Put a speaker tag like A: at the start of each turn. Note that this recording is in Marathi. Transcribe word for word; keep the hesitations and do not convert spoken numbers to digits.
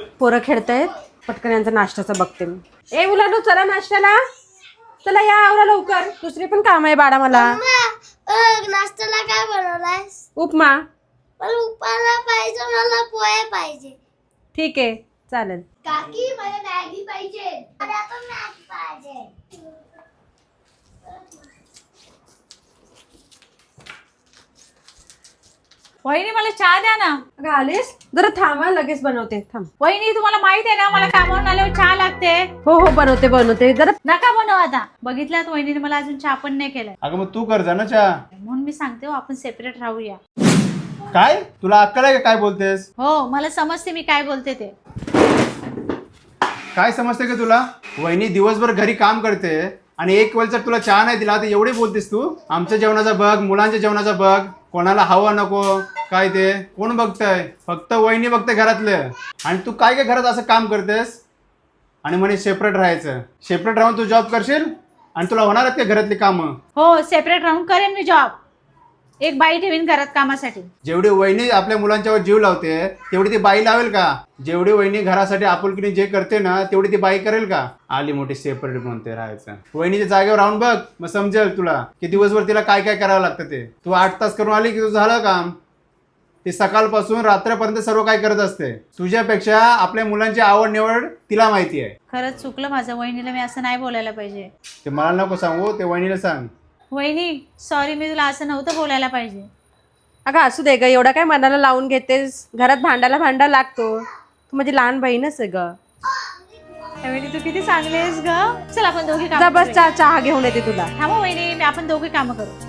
A: पोरं खेळतायत, पटकन यांचा नाश्त्याचा बघते मी. ए मुलांनो चला नाश्त्याला, चला या आवरा लवकर, दुसरी पण काम आहे बाळा मला.
B: नाश्त्याला काय बनवलायस?
A: उपमा.
B: मला उपमा पाहिजे, मला पोहे पाहिजे.
A: ठीक आहे चालेल.
B: काकी मला मॅगी पाहिजे. मला पण मॅगी पाहिजे.
C: वहिनी मला चहा द्या ना.
A: अगं आलीस, जरा थांबा, लगेच बनवते. थांब.
C: वहिनी तुम्हाला माहित आहे ना मला कामावरून आल्यावर चहा लागते.
A: हो हो बनवते बनवते जरा.
C: नका बनव आता. बघितल्यात वहिनीने मला अजून चहा पण नाही केलाय.
D: अगं मग तू कर जा ना चहा.
C: म्हणून मी सांगते हो आपण सेपरेट राहूया.
D: काय तुला अक्कल आहे का काय बोलतेस?
C: हो मला समजते मी काय बोलते ते.
D: काय समजते का तुला? वहिनी दिवसभर घरी काम करते आणि एक वेळचा तुला चहा नाही दिला तर एवढे बोलतेस तू? आमच्या जेवणाचा बघ, मुलांच्या जेवणाचा बघ, कोणाला हवा नको काय ते कोण बघतंय? फक्त वहिनी बघते घरातलं. आणि तू काय काय घरात असं काम करतेस आणि म्हणे सेपरेट राहायचं. सेपरेट राहून तू जॉब करशील आणि तुला होणार आहेत का घरातली कामं?
C: हो सेपरेट राहून करेन मी जॉब. एक बाई ठेवीन घरात कामासाठी.
D: जेवढी वहिनी आपल्या मुलांच्यावर जीव लावते तेवढी ती बाई लावेल का? जेवढी वहिनी घरासाठी आपुलकीने जे करते ना तेवढी ती बाई करेल का? आली मोठी सेपरेट म्हणते राहायचं. वहिनीच्या जागेवर राहून बघ, मग समजेल तुला की दिवसभर तिला काय काय करावं लागतं ते. तू आठ तास करून आली की तुझं झालं काम. ती सकाळपासून रात्रीपर्यंत सर्व काय करत असते. तुझ्यापेक्षा आपल्या मुलांची आवड निवड तिला माहिती आहे.
C: खरंच चुकलं माझं. वहिनीला मी असं नाही बोलायला पाहिजे.
D: ते मला नको सांगू, ते वहिनीला सांग.
C: वहिनी सॉरी, मी तुला असं नव्हतं बोलायला पाहिजे.
A: अगं असू दे ग, एवढं काय मनाला लावून घेतेस. घरात भांडायला भांडा लागतो. तू माझी लहान बहीणच आहे ग.
C: वहिनी तू किती चांगली आहेस ग. चल आपण दोघी
A: जा
C: काम
A: बस, चहा चहा घेऊन येते तुला.
C: थांबा वहिनी, मी आपण दोघी कामं करू.